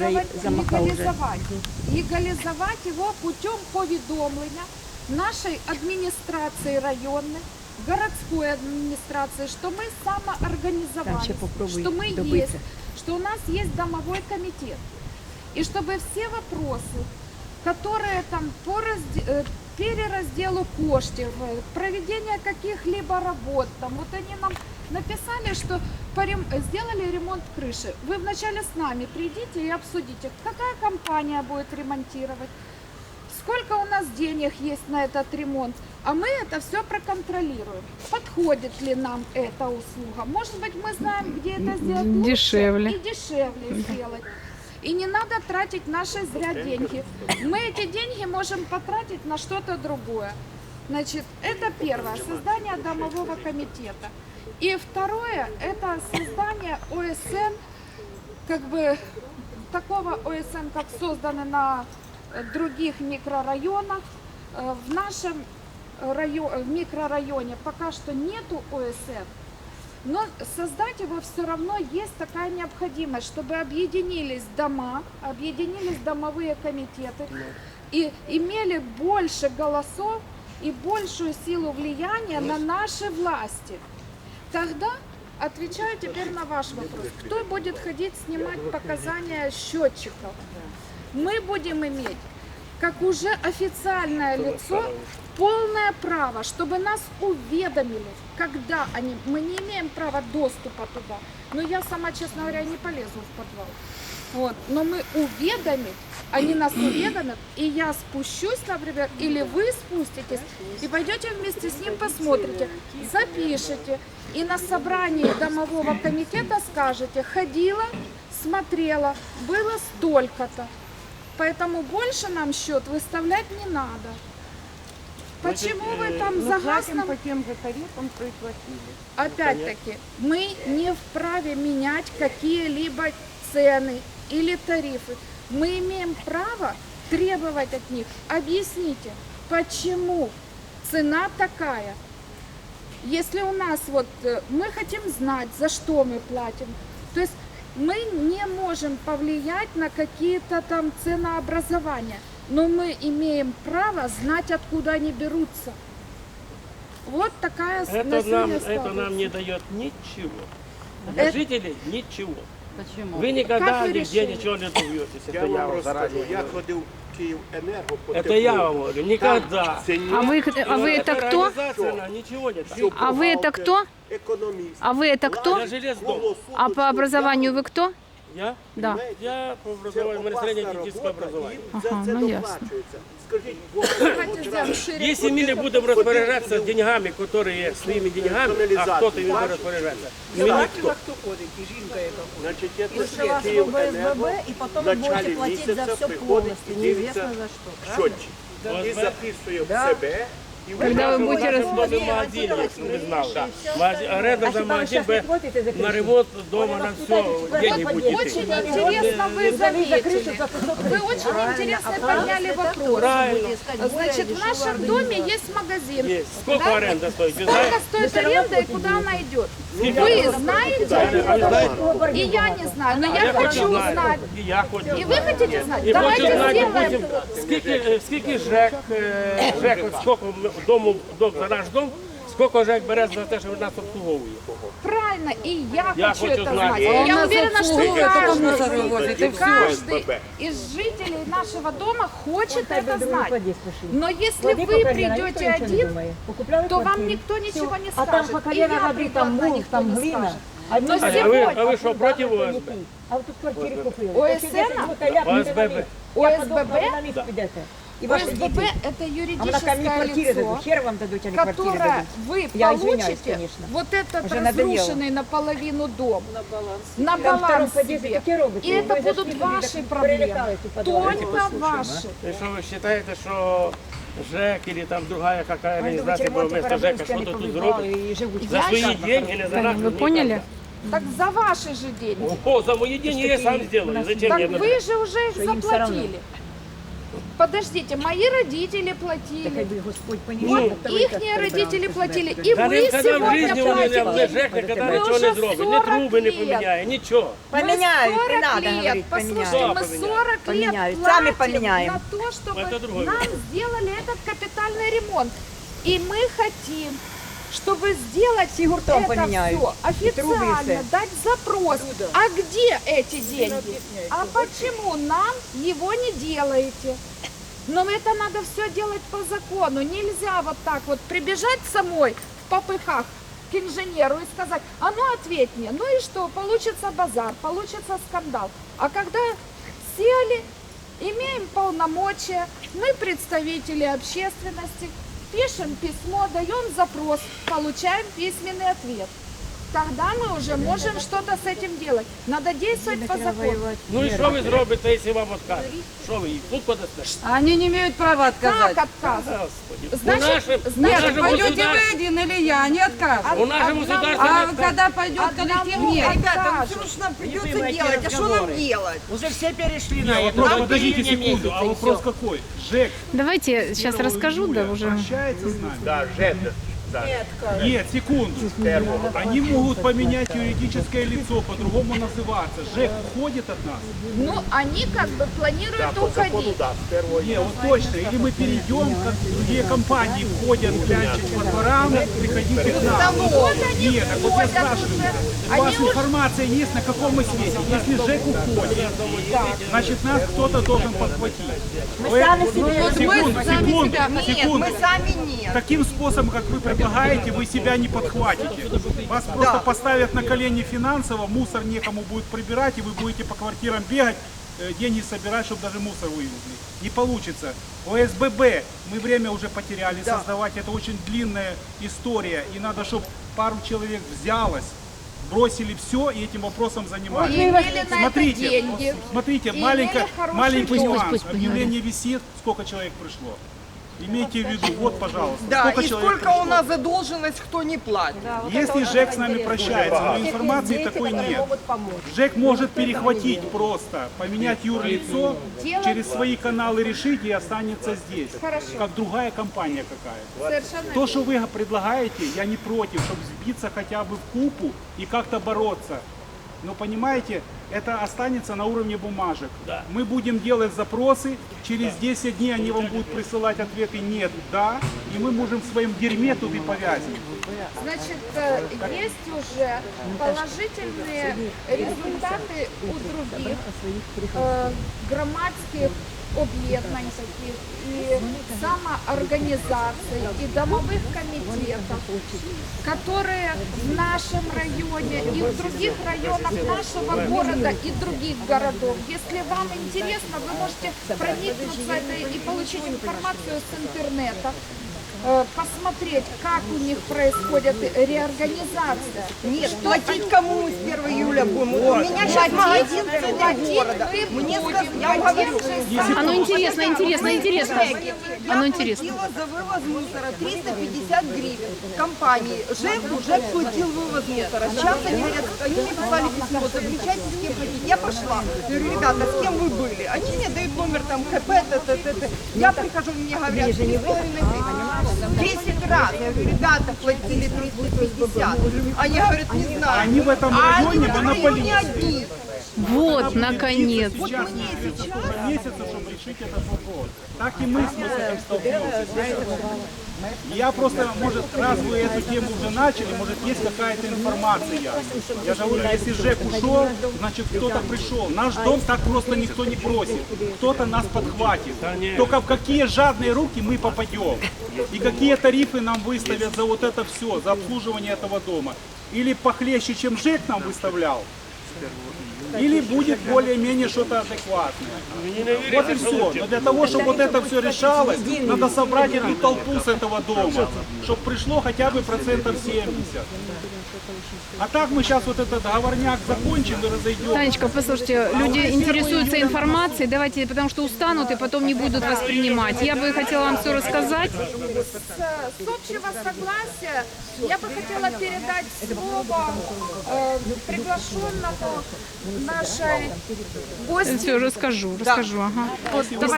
легализовать его путем поведомления нашей администрации районной, городской администрации, что мы самоорганизовались, что мы есть, что у нас есть домовой комитет. И чтобы все вопросы, которые там по переразделу коштів, проведения каких-либо работ, там, вот они нам написали, что сделали ремонт крыши. Вы вначале с нами придите и обсудите, какая компания будет ремонтировать, сколько у нас денег есть на этот ремонт, а мы это все проконтролируем. Подходит ли нам эта услуга? Может быть, мы знаем, где это сделать лучше Дешевле. и дешевле сделать. И не надо тратить наши зря деньги. Мы эти деньги можем потратить на что-то другое. Значит, это первое, создание домового комитета. И второе, это создание ОСН, как бы такого ОСН, как созданы на других микрорайонах. В нашем микрорайоне пока что нету ОСН. Но создать его все равно есть такая необходимость, чтобы объединились дома, объединились домовые комитеты и имели больше голосов и большую силу влияния на наши власти. Тогда, отвечаю теперь на ваш вопрос, кто будет ходить снимать показания счетчиков? Мы будем иметь, как уже официальное лицо, полное право, чтобы нас уведомили, когда они... Мы не имеем права доступа туда. Но я сама, честно говоря, не полезу в подвал. Вот. Но мы уведомим, они нас уведомят, и я спущусь, например, или вы спуститесь, и пойдете вместе с ним посмотрите, запишите, и на собрании домового комитета скажете, ходила, смотрела, было столько-то. Поэтому больше нам счет выставлять не надо. Почему вы там за газ нам... по тем же тарифам, что и платили. Опять-таки, мы не вправе менять какие-либо цены или тарифы. Мы имеем право требовать от них. Объясните, почему цена такая? Если у нас вот, мы хотим знать, за что мы платим. То есть мы не можем повлиять на какие-то там ценообразования. Но мы имеем право знать, откуда они берутся. Вот такая это нам не дает ничего. Для жителей ничего. Почему? Вы никогда нигде ничего не добьетесь. Я вам заранее я ходив в Київенерго по Это я вам говорю, никогда. А вы это кто? Организация, ничего не так. А вы это кто? Економіст. А вы это кто? Я железнодор. А по образованию вы кто? Я? Да. Я по образованию, у меня среднее техническое образование. Ага, ну ясно. Скажіть, Давайте сделаем шире. Если мы не будем распоряжаться деньгами, которые своими деньгами, а кто-то ими будет распоряжаться, мы никто. значить, Из це вашего Київенерго БСББ, и потом в вы будете началі платить за місяця все приходить полностью, і неизвестно дивиться за что. счетчик. І записує в себе. І Когда вы будете В доме магазин, если вы знали. Аренда за магазин на ремонт дома, на все, деньги Вот будете. очень интересно вы заметили. Вы очень интересно подняли вопрос. Правильно. Значит, в нашем доме есть магазин. Есть. Сколько Да? аренда стоит? Вы Сколько знаете? стоит аренда и куда она идет? Вы знаете? А вы знаете? И я не знаю, но А я хочу узнать. И я хочу И вы хотите знать? І хочу Давайте знати, сделаем. потім, скільки ЖЕК, от скільки дому, за наш дом, скільки ЖЕК бере за те, що нас обслуговує. Правильно, и я Я хочу хочу это знать. знать. А И он я уверена, что каждый ОСББ. из жителей нашего дома хочет это знать. Но если вы придете один, то вам никто ничего не А там скажет. по И колено я воды, приду там одна, мул, никто там не глина. скажет. А Но А сегодня ви що, проти ОСБ? А ви тут квартири купили. ОСН? ОСББ. ОСББ? И ваши ОСББ дети. – это А на юридическое квартиры дадут, лицо, хер вам дадут, а не квартиры которое дадут. вы Я извиняюсь, получите конечно. вот этот Уже надоело. разрушенный наполовину дом на Там втором баланс подъезде себе. такие роботы. И это Вы будут зашли, ваши так проблемы, прилетают и подвалы. только ваши. І що ви вважаєте, що ЖЕК или там другая какая Они думают, организация было ремонт вместо ЖЕКа Парабинска не что-то тут повыбивала зробить? и живут. За свои деньги или за наши? Вы поняли? Так за ваши же деньги. О, за мои деньги я сам сделаю. Зачем Так мне вы же уже их Что им всё равно. заплатили. Подождите, мои родители Так платили. хай би Господь Вот понімає. их родители платили, и Та мы ніколи в сегодня житті вони не платим. ЖЕК ніколи Ми нічого вже не зробить, ні 40 труби не лет. поміняє, нічого. Поміняють, Мы не 40 надо лет, говорити, послушайте, поміняють. мы 40 лет Поменяют. платим Сами поменяем. на то, чтобы Это другой нам вопрос. сделали этот капитальный ремонт. И мы хотим, чтобы сделать Всі гуртом это поменяють. все І труби, і официально, все. дать запрос. А где эти деньги? А почему нам его не делаете? Но это надо все делать по закону. Нельзя вот так вот прибежать самой в попыхах к инженеру и сказать, а ну ответь мне, ну и что, получится базар, получится скандал. А когда сели, имеем полномочия, мы представители общественности, пишем письмо, даем запрос, получаем письменный ответ. Тогда мы уже можем что-то с этим делать. Надо действовать по закону. Ну і що ви зробите, якщо вам відкажуть? Що ви їх тут подасте? Они не имеют права отказать. Как отказывать? Господи. Значит, у Нет, нашому пойдете государстві, вы один или я, они откажут. у нашому Одному- государстві А не скажуть. когда пойдет коллектив, Одному нет. откажут. Что ж нам придется делать? А что нам делать? Уже все перешли на Нет, это. вопрос, Нам подождите июня секунду, месяца, а и вопрос всё. какой? ЖЭК Давайте сейчас 1 расскажу, да, июля уже. прощается с нами? Да, ЖЭК. Да. Нет, секунду. Они могут поменять юридическое лицо, по-другому называться. ЖЭК уходит от нас? Ну, они как бы планируют Да, по закону, уходить. да, с 1 Не, вот точно. Или мы перейдем, как другие компании входят, клянчить по дворам, приходите к нам. Вот они Нет, так вот я уходят спрашиваю, уже. у вас Они уже информация есть, на каком мы свете? Если ЖЭК уходит, значит нас кто-то должен подхватить. Мы сами себе- Секунду, мы сами секунду, себя- секунду. сами нет. Таким способом, как вы предлагаете, вы себя не подхватите. Вас просто поставят на колени финансово, мусор некому будет прибирать, и вы будете по квартирам бегать, деньги собирать, чтобы даже мусор вывезли. Не получится. ОСББ мы время уже потеряли создавать, это очень длинная история, и надо, чтобы пару человек взялось, бросили все и этим вопросом занимались. имели на это Смотрите, деньги. смотрите, И маленький имели хороший маленький дом. нюанс. Пусть Объявление висит, сколько человек пришло. Имейте в виду, вот, пожалуйста, Да, сколько и человек сколько пришло. у нас задолженность, кто не платит. Если ЖЭК с нами прощается, но информации такой нет. ЖЭК может перехватить просто, поменять юрлицо, через свои каналы решить и останется здесь. Хорошо. Как другая компания какая. Совершенно То, что вы предлагаете, я не против, чтобы сбиться хотя бы в купу и как-то бороться. Но понимаете, это останется на уровне бумажек. Мы будем делать запросы, через 10 дней они вам будут присылать ответы «нет», «да», и мы можем в своем дерьме тут и повязать. Значит, есть уже положительные результаты у других громадских объединений таких и самоорганизаций и домовых комитетов, которые в нашем районе и в других районах нашего города и других городов. Если вам интересно, вы можете проникнуться этой и получить информацию с интернета, посмотреть, как у них происходит реорганизация. Нет, платить кому с 1 июля будем? Вот у меня сейчас магазин в центре города. Мне сказали, я вам говорю, Оно интересно, интересно, интересно. Оно интересно. Я платила за вывоз мусора 350 гривен компании. ЖЭК уже платил вывоз мусора. Сейчас они говорят, они мне послали письмо, заключайте с кем хотите. Я пошла, говорю, ребята, с кем вы были? Они мне дают номер там КП, т. Я прихожу, мне говорят, 3,5 гривен. 10 раз. Я говорю, ребята платили 350. Они говорят, не знаю. Они в этом А они районе в этом районе монополисты. одни. Вот, наконец. Вот мне сейчас месяца, чтобы решить этот вопрос. Так и мы с этим столкнулись. Я просто, может, раз вы эту тему уже начали, может, есть какая-то информация. Я же говорю, если ЖЭК ушел, значит, кто-то пришел. Наш дом так просто никто не бросит. Кто-то нас подхватит. Только в какие жадные руки мы попадем. И какие тарифы нам выставят за вот это все, за обслуживание этого дома. Или похлеще, чем ЖЭК нам выставлял. Или будет более-менее что-то адекватное. Вот и все. Но для того, чтобы вот это все решалось, надо собрать эту толпу с этого дома, чтобы пришло хотя бы процентов 70. А так мы сейчас вот этот договорняк закончим и разойдем. Танечка, послушайте, люди интересуются информацией, давайте, потому что устанут и потом не будут воспринимать. Я бы хотела вам все рассказать. С общего согласия я бы хотела передать слово приглашенному нашей гости. Все, расскажу. Ага.